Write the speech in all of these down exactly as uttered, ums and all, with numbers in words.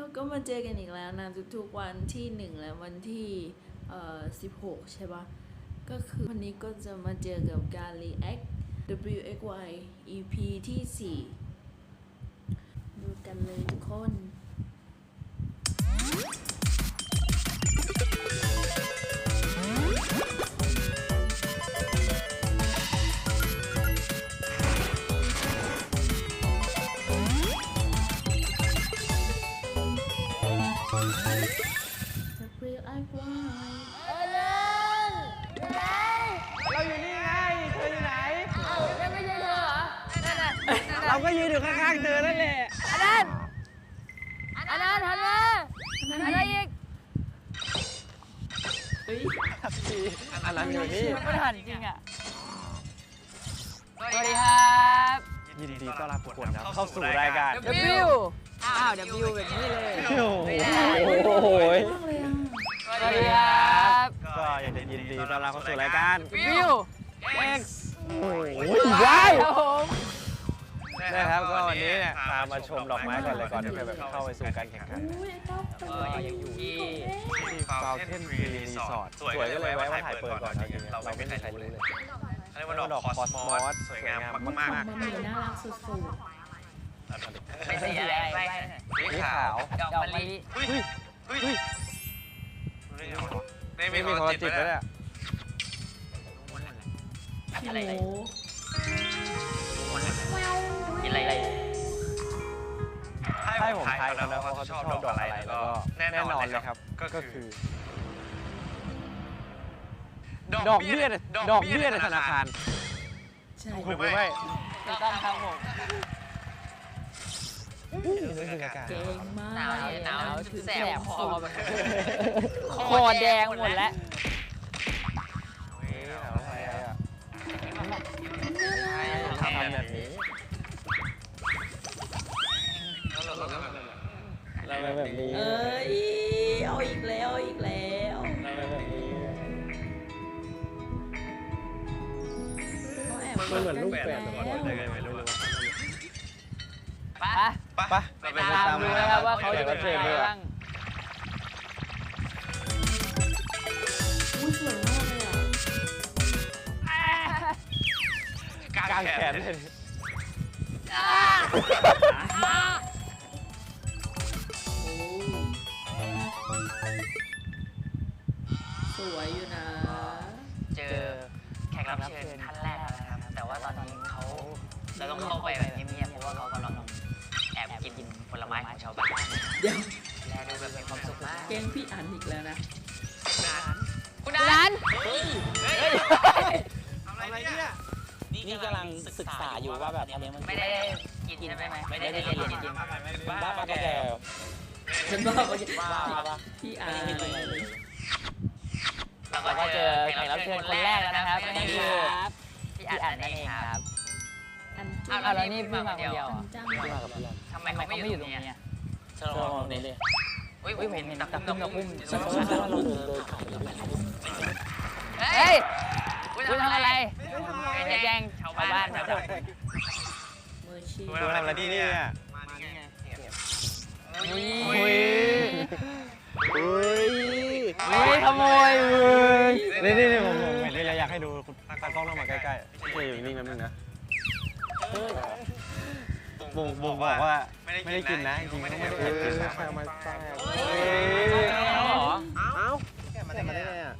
ก็มาเจอกันอีกแล้วนะทุกๆวันที่หนึ่งและวันที่เอ่อสิบหกใช่ปะก็คือวันนี้ก็จะมาเจอกับการ react ดับเบิลยู เอ็กซ์ วาย อี พี ที่สี่ดูกันเลยทุกคนเราอยู่นี่ไง เธออยู่ไหนเอ้านั่นไม่ใช่เธอเหรอ นั่นน่ะเราก็ยืนอยู่ข้างๆเธอนั่นแหละอันนั้นอันนั้นหันมาอะไรอีกเฮ้ยอันนั้นอยู่นี่มันหันจริงอ่ะสวัสดีครับยินดีต้อนรับทุกคนนะเข้าสู่รายการ W อ้าว W แบบนี้เลยโอ้โหสวัสดีครับก็อยากจะยินดีต้อนรับเข้าสู่รายการ W X โอ้ยว้ายครับผมนะครับก็วันนี้เนี่ยพามาชมดอกไม้ก่อนเลยก่อนที่จะแบบเข้าไปสู่การแข่งขันอุ้ยไอ้ต๊อบตัวเออยังอยู่ที่ที่ฟาวเทนฟรีรีสอร์ทสวยก็เลยไว้ว่าถ่ายเปิดก่อนนะจริงๆเราไม่มีใครรู้เลยเขาเรียกว่าดอกคอสมอสสวยงามมากมันมีน่ารักสุดไม่ใช่อะไรไม่ๆสีขาวดอกมะลิเฮ้ยเฮ้ยไม่มีคนจิตแล้วเนี่ยๆอะไรโอ้กินอะไรอะไรให้ผมทายกันแล้วว่าเขาชอบดอกอะไรแล้วก็แน่นอนเลยครับก็คือดอกเบี้ยดอกเบี้ยในธนาคารใช่ถูกหรือไม่ถูกต้องครับผมเก่งมากหนาวหนาวถึงแสแสบบ คคออแบแบบ บคอแดงหมดแล้วทำแบบนี้เราแบบนี้เอ้ยเอาอีกแล้วเอาอีกแล้วเราแบบนี้เขาแอบมันเหมือนลูกแฝดแล้วไม่รู้ไปปะไปตามดูนะครับว่าเขาจะเป็นใครบ้างอุ้ยสวยมากเลยอ่ะกางแขนเลยโอ้สวยอยู่นะเจอแขกรับเชิญท่านแรกแล้วนะครับ แต่ว่าตอนนี้เขาเราต้องเข้าไปแบบเงียบๆเพราะว่าเขากำลังแอบกินผลไม้ของชาวบ้านเดี๋ยวแลดูแบบมีความสุขมากแกล้งพี่อันอีกแล้วนะคุณนันอะไรเนี่ยนี่กำลังศึกษาอยู่ว่าแบบอันนี้มันไม่ได้กินใช่ไหมไม่ได้กินจริงบ้าปะแกฉันบอกว่าบ้าปะพี่อันเราก็เจอแขกรับเชิญคนแรกแล้วนะครับนั่นคือพี่อัดนั่นเองครับอันอ้าวแล้วนี่พี่มาคนเดียวอัอ่ะนจ้างที่มากับเพื่อนทำไมเขาไม่อยู่ตรงนี้ชะลอตรงนี้เลยอุ้ยอุ้ยเห็นตะคุ่มตะคุ่มใช่ใช่ว่าเราเดินเดินขายแล้วเฮ้ยคุณทำอะไรไม่แย่งชาวบ้านชาวบ้านมือชีทำอะไรที่นี่อ่ะอุ้ยอุ้ยอุ้ยอุ้ยขโมยนี่นี่นี่ผมผมเห็นนี่เราอยากให้ดูตากล้องต้องมาใกล้ๆพี่อยู่นิ่งๆแป๊บนึงนะบ่งบ่งบอกว่าไม่ได้กินนะจริงๆไม่ได้กินนะมาแซ่บเอ้าแกมาได้ไงอ่ะ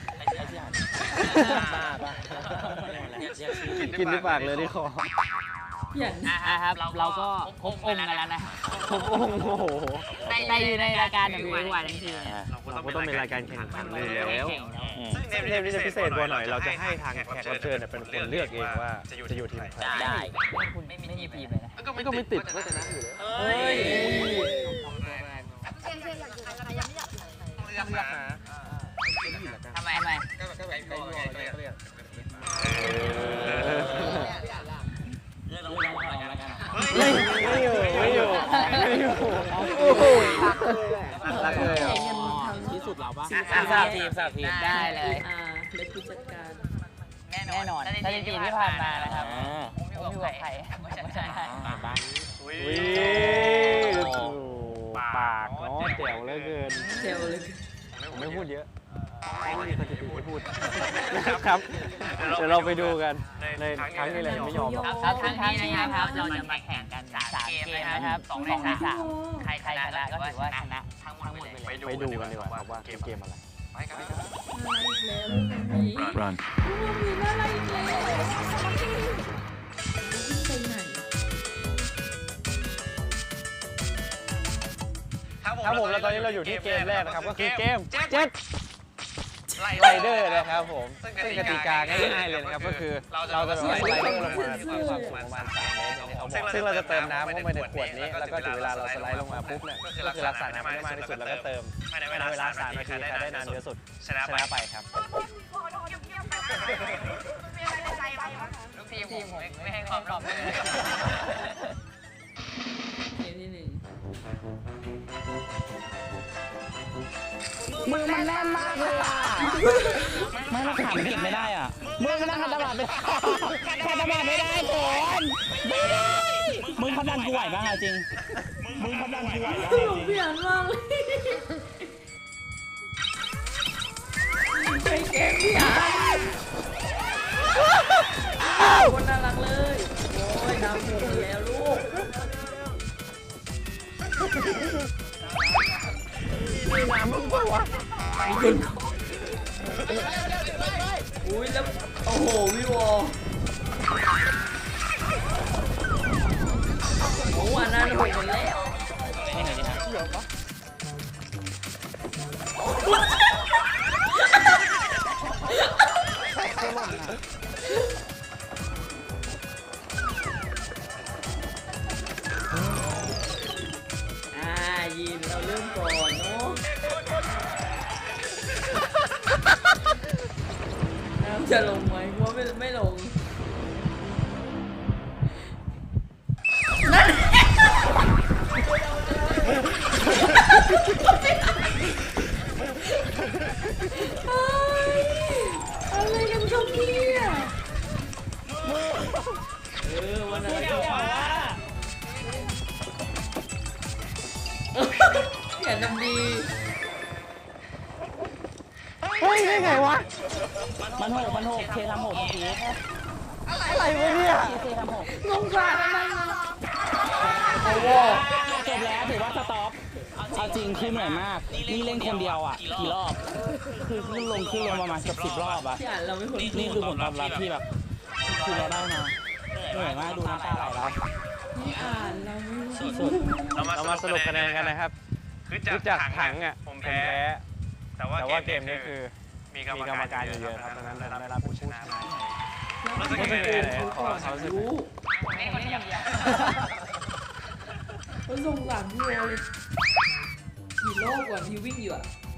บ้าป่ะกินด้วยปากเลยที่คออย่างอ่ะครับเราก็ครบองค์กันแล้วนะโอ้โหในอยู่ในรายการแบบนี้วันทีเราก็ต้องเป็นรายการแข่งขันอยู่แล้วซึ่งเทปนี้จะพิเศษกว่าหน่อยเราจะให้ทางแขกรับเชิญเป็นคนเลือกเองว่าจะอยู่ทีมใครได้ คุณไม่มีทีมเลยนะก็ไม่ติดว่าจะนั่งอยู่แล้วเฮ้ยเลือกหาทำไมทำไมก็แบบไก่งออะไรก็เรียก ไม่ไม่อยู่ไม่อยู่ไม่อยู่โอ้โหรักเลยแข่อ่ะงกันทำที่สุดเราปะสามทีมสามทีมได้เลยอ่าเล็กผู้จัดการแน่นอนสถิติที่ผ่านมานะครับผมอยู่กับใครไม่ชนะบ้านอุ้ยปากเนาะว่าแจ๋วเหลือเกินเจ๋วเลยผมไม่พูดเยอะไม่มีสถิติให้พูดครับเดี๋ยวเราไปดูกันในครั้งนี้เลยไม่ยอมครับครั้งนี้นะครับเราจะมาแข่งกันสามเกมนะครับสองในสามใครชนะก็ถือว่าชนะทั้งหมดไปเลยไปดูกันดีกว่าครับว่าเกมอะไรน่ารักอีกแล้วมี Run. มีน่ารักอีกแล้วไปไหนครับผมแล้วตอนนี้เราอยู่ที่เกมแรกนะครับก็คือเกมเจ็ดไรเดอร์นะครับผมซึ่งกติกาง่ายๆเลยนะครับก็คือเราจะแบบสไลเดอร์ลงมามีความสูงประมาณสามเมตรอย่างที่เขาบอกซึ่งเราจะเติมน้ำเข้าไปในขวดนี้แล้วก็ถึงเวลาเราสไลด์ลงมาปุ๊บเนี่ยก็คือรักษาน้ำให้มากที่สุดแล้วก็เติมภายในเวลาสามนาทีใครได้นานเยอะสุดชนะไปครับลูกทีมผมไม่ให้ความรอบเลยเกมที่หนึ่งมือมันแน่นมากเลยอ่ะไม่เราขามันเก็บไม่ได้อ่ะมือมันนั่งขัดตลาดไม่ได้ขัดตลาดไม่ได้ก่อนไม่ได้มึงเขาดันกูไหวบ้างจริงมึงเขาดันกูไหวบ้างตลกเพี้ยนมากเลยไปเกมพี่อันคนน่ารักเลยโอ้ยน้ำหมดแล้วลูกมีน้ำมึงเปล่าวะอุ้ยแล้วโอ้โหพี่วอโอ้อันนั้นหกหมดแล้วอ่ายินเราเริ่มก่อนเนาะน้ำจะลงไหมว่าไม่ไม่ลงนั่นอะไรกันครับเนี่ยเออวันนั้นก็ว่าอย่าทำดีเฮ้ยได้ไงวะมันหกมันหกเคทำหกเมื่อกี้อะไรวะเนี่ยเคทำหกงงกว่าทำไมนะโอ้โหจบแล้วถือว่าสต็อปเอาจริงคือเหนื่อยมากนี่เล่นคนเดียวอ่ะกี่รอบคือขึ้นลงขึ้นลงประมาณเกือบสิบรอบอ่ะที่อ่านเราไม่ควรนี่คือผลตอบรับที่แบบคือเราได้มาเหนื่อยมากดูน้ำตาไหลแล้วที่อ่านเราไม่รู้สุดเรามาสรุปคะแนนกันนะครับคือจากถังอ่ะผมแพ้แต่ว่าเกมนี้คือมีกรรมการเยอะครับดังนั้นผมได้รับผู้ชนะมารู้สึกยังไงเลยขอเขารู้นี่คนนี้อย่างเดียวเขาส่งสารพี่โอเลยกี่รอบก่อนที่วิ่งอยู่อ่ะ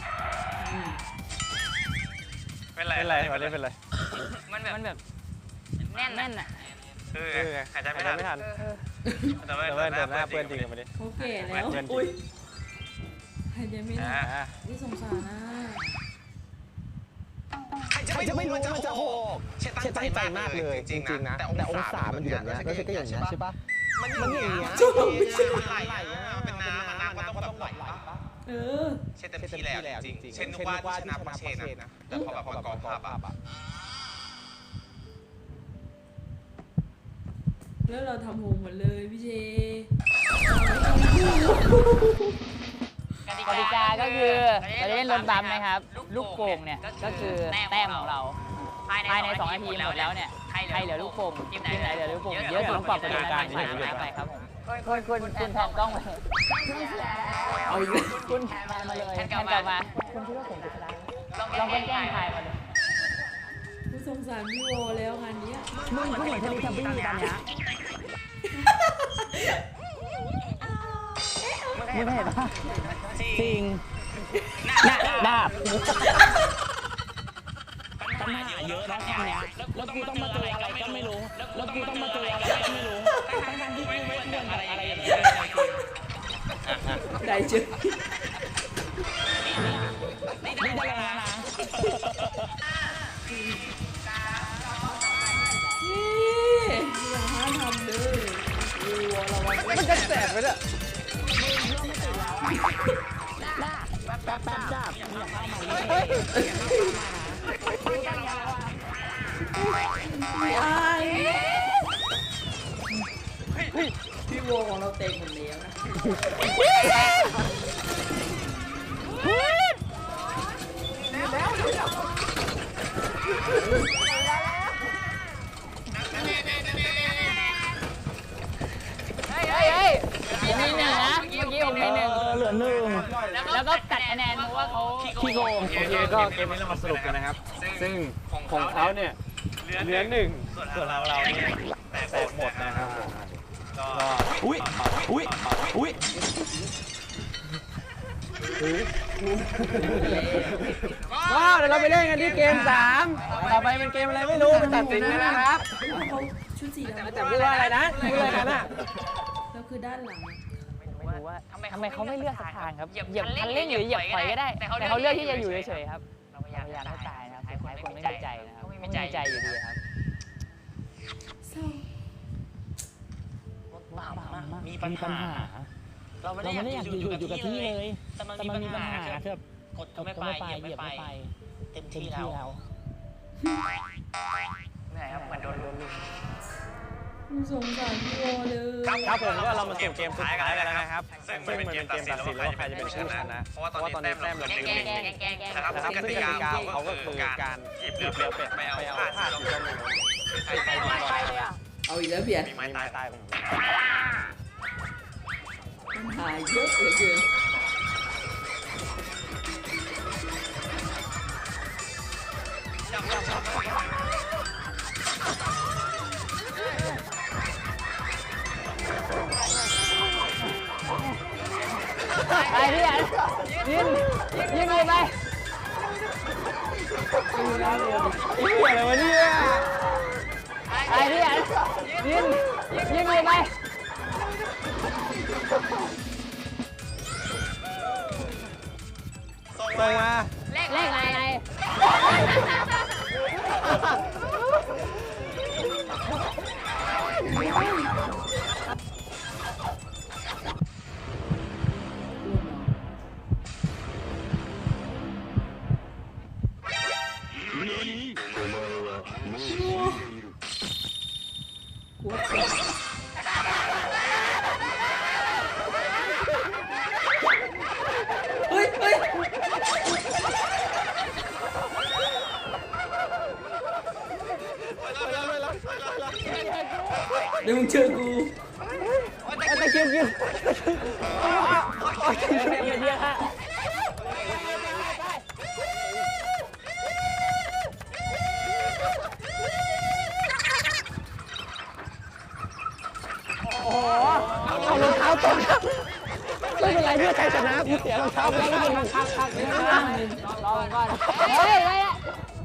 เป็นไรเป็นไรวันนี้เป็นไรมันแบบมันแบบแน่นแน่นอ่ะคือหายใจไม่ทันแต่ว่าเดินหน้าเปื้อนจริงวันนี้เขาแก่แล้วอุ้ยหายใจไม่ทันนี่สงสารนะใครจะไม่รู้มันจะโหกเช็ดตั้งใจมากเลยจริงๆนะแต่องศามันอยู่แบบนี้แล้วเช็ดก็อย่างนี้ใช่ปะมันอย่างเงี้ยไหลเป็นน้ำน้ำก็ต้องแบบไหลเออเช็ดเต็มที่แล้วจริงๆเช่นว่าที่ชนะเพราะเช็ดนะแต่พอแบบว่ากองภาพอะแล้วเราทำโฮมหมดเลยพี่เจกติกาก็คือเราจะเล่นรถบัมนะครับลูกโป่งเนี่ยก็คือแต้มของเราภายในสองนาทีหมดแล้วเนี่ยใครเหลือลูกโป่งทีมไหนเหลือลูกโป่งเยอะสุดต้องปรับกติกาใส่น้ำไปครับผมคุณคุณคุณแทนกล้องไปเอาอีกแล้วคุณแทนมาเลยแทนกลับมาคุณคิดว่าผมจะชนะลองแกล้งทายมาเลยผู้สงสารพี่โอแล้วงานนี้มึงเหมือนเทเลทับบี้ตอนเนี้ยมึงเห็นปะจริงน่ะดาบปัญหาเยอะนะคำเนี้ยแล้วกูต้องมาเจออะไรก็ไม่รู้แล้วกูต้องมาเจออะไรก็ไม่รู้ทั้งๆที่กูไม่ควรแบบอะไรอย่างเงี้ยได้เจอนี่ได้แล้วนะนี่อย่าห้ามทำเลยโอ้ระวังมันจะแสบไปเนี่ยแป๊บแป๊บจับอย่าเข้ามาเลยไม่อายพี่โวของเราเต็งหมดแล้วนะเฮ้ยเฮ้ยเฮ้ยมีหนึ่งนะเมื่อกี้ผมมีหนึ่งเหลือหนึ่งแล้วก็ตัดคะแนนเพราะว่าเขาขี้โกงโอเคก็เกมนี้เรามาสรุปกันนะครับ ซึ่งของเขาเนี่ยเหลือหนึ่งส่วนเราเราเนี่ยแตกหมดนะครับผมก็อุ้ยอุ้ยอุ้ยว้าวเดี๋ยวเราไปเล่นกันที่เกมสามต่อไปเป็นเกมอะไรไม่รู้ไปตัดสินกันนะครับเขาชุดสีดำแต่พูดว่าอะไรนะพูดอะไรกันอ่ะแล้วคือด้านหลังไม่รู้ว่าทำไมเขาไม่เลือกสักทางครับเหยียบคันเร่งหรือเหยียบถอยก็ได้แต่เขาเลือกที่จะอยู่เฉยๆครับเราพยายามให้ตายนะครับท้ายคนไม่มีใจนะครับไม่มีใจอยู่ดีครับเศร้ามีปัญหาเราไม่ได้อยากอยู่อยู่อยู่กับที่เลยแต่มันมีปัญหาคือแบบกดก็ไม่ไปเหยียบไม่ไปเต็มที่แล้วเหนื่อยครับเหมือนโดนลุมสงสารพี่โวเลยครับผมก็เรามาสู่เกมสุดท้ายกันแล้วนะครับซึ่งมันเป็นเกมตัดสินแล้วว่าใครจะเป็นผู้ชนะเพราะว่าตอนนี้แต้มเราหนึ่งหนึ่งนะครับซึ่งกติกาเขาก็คือการหยิบเรือเป็ดไปเอาผ้าที่เราหนึ่งใครใครก่อนเอาอีกแล้วเบียดมีไม้ตายตายของผมปัญหาเยอะเหลือเกินไปพี่อ่ะยืนยืนยืนไปอะไรวะเนี่ยไปพี่อ่ะยืนยืนยืนไปส่งมาเลขอะไรเฮ้ยเฮ้ยเดี๋ยวมึงเจอกูตะเกียบกินเป็นเยอะฮะเอารองเท้าตกครับไม่เป็นไรเพื่อชัยชนะกูเสียรองเท้าไปแล้วก็เป็นรองเท้าครับรอก่อนเฮ้ยอะไรอ่ะ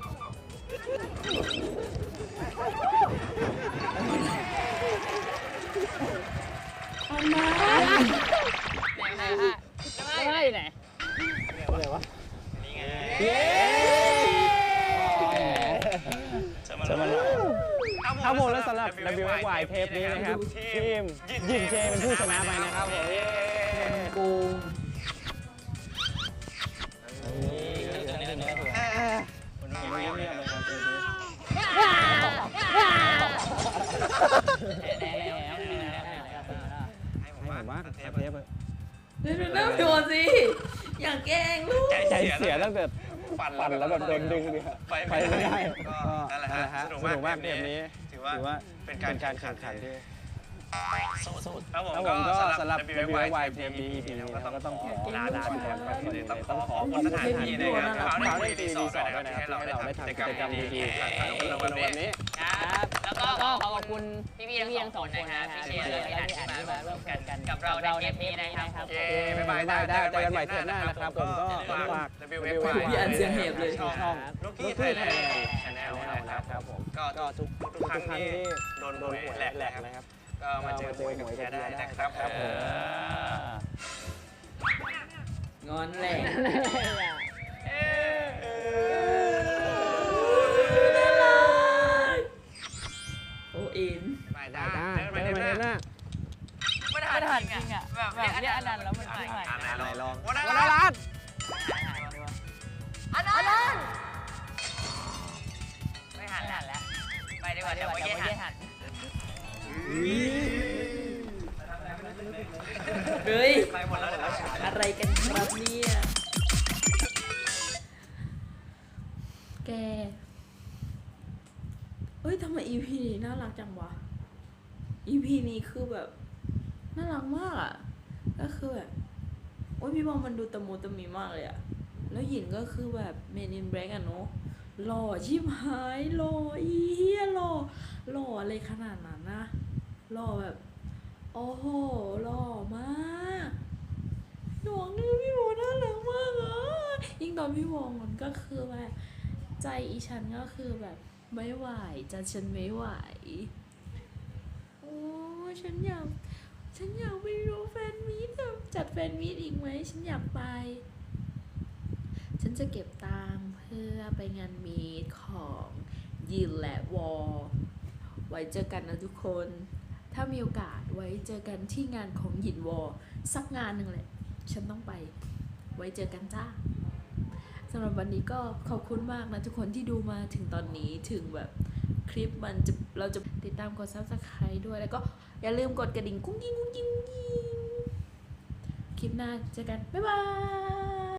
ไหนฮะจะมาอยู่ไหนอะไรวะเย้ครับผมและสำหรับ ดับเบิลยู เอ็กซ์ วาย เทปนี้นะครับทีมยิงเจเป็นผู้ชนะไปนะครับผมเย้โกงให้ผมว่าเทปเลยเดี๋ยวดูหน้าพี่โวสิอย่าแกล้งลูกใจเสียตั้งแต่ปั่นแล้วแบบโดนดึงเลยไปไม่ได้ก็นั่นแหละฮะสนุกมากเกมนี้ถือว่าเป็นการแข่งขันที่ครับผมก็สำหรับ ดับเบิลยู เอ็กซ์ วาย เทปนี้ อี พี นี้ก็ต้องขอลาลาไปก่อนต้องขอขอบคุณสถานที่นะครับเขาได้ดีรีสอร์ทด้วยนะครับที่ให้เราได้ทำกิจกรรมดีๆในวันนี้ครับแล้วก็ขอบคุณพี่พี่ทั้งสองคนนะครับพี่เชียร์และพี่อันที่มาร่วมกันกับเราในเทปนี้นะครับเย้บ๊ายบายได้ได้เจอกันใหม่เทปหน้านะครับผมก็ฝาก ดับเบิลยู เอ็กซ์ วายพี่อันเสียงเหียบเลยช่องลูกกี้ไทยแลนด์ชาแนลนะครับผมก็ทุกทุกครั้งที่โดนโดนหวยแหลกนะครับก็มาเจอหวยกับแกได้นะครับผมงอนแหลกโอเอ็นได้ได้ไปเทปหน้าไม่ทันจริงอ่ะแบบเนี้ยอันนั้นแล้วมันขึ้นใหม่ไหนลองวันละล้านเนี่ยแกเอ้ยทำไม อี พี นี้น่ารักจังวะ อี พี นี้คือแบบน่ารักมากอ่ะก็คือแบบโอ้ยพี่บอลมันดูตะมูตะมีมากเลยอ่ะแล้วหยินก็คือแบบเมนินแบล็กอะเนาะหล่อชิบหายหล่ออีเหี้ยหล่อหล่ออะไรขนาดนั้นนะหล่อแบบโอ้โหหล่อมากหน่วงเลยพี่บอลน่ารักมากอ่ะยิ่งตอนพี่บอลมันก็คือแบบใจอีฉันก็คือแบบไม่ไหวจะฉันไม่ไหวโอ้ฉันอยากฉันอยากไปดูแฟนมีตอะจัดแฟนมีตอีกไหมฉันอยากไป ฉันจะเก็บตังค์เพื่อไปงานมีตของยินและวอลไว้เจอกันนะทุกคน ถ้ามีโอกาสไว้เจอกันที่งานของยินวอลสักงานหนึ่งแหละ ฉันต้องไป ไว้เจอกันจ้าสำหรับวันนี้ก็ขอบคุณมากนะทุกคนที่ดูมาถึงตอนนี้ถึงแบบคลิปมันจะเราจะติดตามกด ซับสไครบ์ ด้วยแล้วก็อย่าลืมกดกระดิ่งกุ้งกิ้งกุ้งกิ้งกุ้งกิ้งคลิปหน้าเจอกัน บ๊ายบาย